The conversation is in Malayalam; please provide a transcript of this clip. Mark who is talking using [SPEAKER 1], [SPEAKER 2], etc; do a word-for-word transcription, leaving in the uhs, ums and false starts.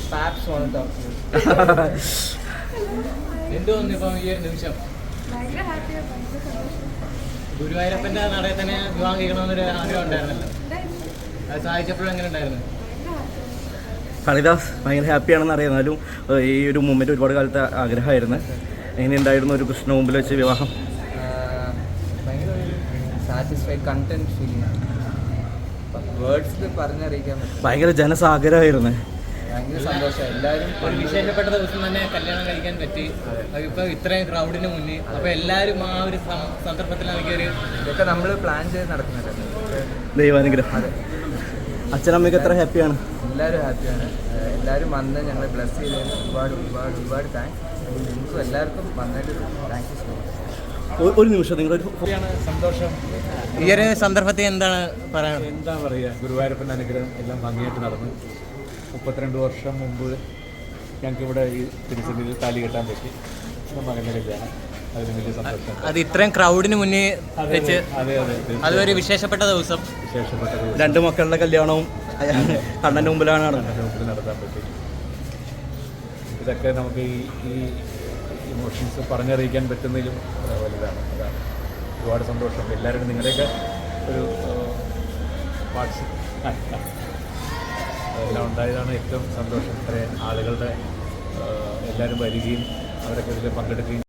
[SPEAKER 1] Paps want to talk to you.
[SPEAKER 2] എന്ത് തോന്നുന്നു ഇപ്പം ഈ ഒരു നിമിഷം? ഗുരുവായൂരപ്പൻ്റെ നടയിൽ തന്നെ വിവാഹം കഴിക്കണമെന്നൊരു ആഗ്രഹം ഉണ്ടായിരുന്നല്ലോ, അത് സാധിച്ചപ്പോഴും എങ്ങനെ ഉണ്ടായിരുന്നു?
[SPEAKER 3] കളിദാസ് ഭയങ്കര ഹാപ്പിയാണെന്ന് അറിയാം. എന്നാലും ഈ ഒരു മൂമെൻറ്റ് ഒരുപാട് കാലത്തെ ആഗ്രഹമായിരുന്നു. എങ്ങനെയുണ്ടായിരുന്നു ഒരു കൃഷ്ണ മുമ്പിൽ വെച്ച് വിവാഹം?
[SPEAKER 1] ഭയങ്കര സാറ്റിസ്ഫൈഡ് കണ്ടന്റ് ഫീലിംഗ്, വേർഡ്സിൽ പറഞ്ഞറിയിക്കാൻ പറ്റും.
[SPEAKER 3] ഭയങ്കര ജനസാഗരമായിരുന്നു.
[SPEAKER 1] ഭയങ്കര സന്തോഷം. എല്ലാവരും
[SPEAKER 2] ഒരു വിശേഷപ്പെട്ട ദിവസം തന്നെ കല്യാണം കഴിക്കാൻ പറ്റി, അതിപ്പോൾ ഇത്രയും ക്രൗഡിന് മുന്നിൽ. അപ്പോൾ എല്ലാവരും ആ ഒരു സന്ദർഭത്തിലാണെങ്കിൽ ഒരു
[SPEAKER 1] ഇതൊക്കെ നമ്മൾ പ്ലാൻ ചെയ്ത് നടക്കുന്നുണ്ട്.
[SPEAKER 3] ദൈവാനുഗ്രഹം.
[SPEAKER 1] അതെ,
[SPEAKER 3] അച്ഛനമ്മയ്ക്ക് എത്ര ഹാപ്പിയാണ്?
[SPEAKER 1] എല്ലാവരും ഹാപ്പിയാണ്. എല്ലാവരും വന്ന് ഞങ്ങളെ ബ്ലെസ് ചെയ്തതിന് ഒരുപാട് ഒരുപാട് ഒരുപാട് താങ്ക്സ്. നിങ്ങൾക്കും എല്ലാവർക്കും വന്നിട്ട് താങ്ക് യു സോ മച്ച്.
[SPEAKER 3] ഒരു നിമിഷം, നിങ്ങളൊരു
[SPEAKER 4] സന്തോഷം.
[SPEAKER 2] ഈ ഒരു സന്ദർഭത്തിൽ എന്താണ് പറയാൻ?
[SPEAKER 4] എന്താ പറയുക, ഗുരുവായൂരപ്പൻ്റെ അനുഗ്രഹം എല്ലാം ഭംഗിയായിട്ട് നടന്നു. മുപ്പത്തിരണ്ട് വർഷം മുമ്പ് ഞങ്ങൾക്കിവിടെ ഈ തിരുസന്നിധിയിൽ താലി കെട്ടാൻ പറ്റി. മകൻ്റെ കല്യാണം, അതിന് വലിയ സന്തോഷം.
[SPEAKER 2] അത് ഇത്രയും ക്രൗഡിന് മുന്നിൽ വെച്ച്
[SPEAKER 4] അതെ അതെ
[SPEAKER 2] അതൊരു വിശേഷപ്പെട്ട ദിവസം,
[SPEAKER 4] വിശേഷപ്പെട്ട
[SPEAKER 3] രണ്ട് മക്കളുടെ കല്യാണവും കണ്ണൻ്റെ മുമ്പിലാണ് നടന്നത്.
[SPEAKER 4] മുമ്പിൽ നടത്താൻ പറ്റി. ഇതൊക്കെ നമുക്ക് ഈ ഈ ഇമോഷൻസ് പറഞ്ഞറിയിക്കാൻ പറ്റുന്നതിലും വലുതാണ്. അതാണ് ഒരുപാട് സന്തോഷം. എല്ലാവരും നിങ്ങളുടെയൊക്കെ ഒരു പാർട്സ് അതെല്ലാം ഉണ്ടായതാണ് ഏറ്റവും സന്തോഷം. ഇത്രയും ആളുകളുടെ എല്ലാവരും വരികയും അവരൊക്കെ ഇതിൽ പങ്കെടുക്കുകയും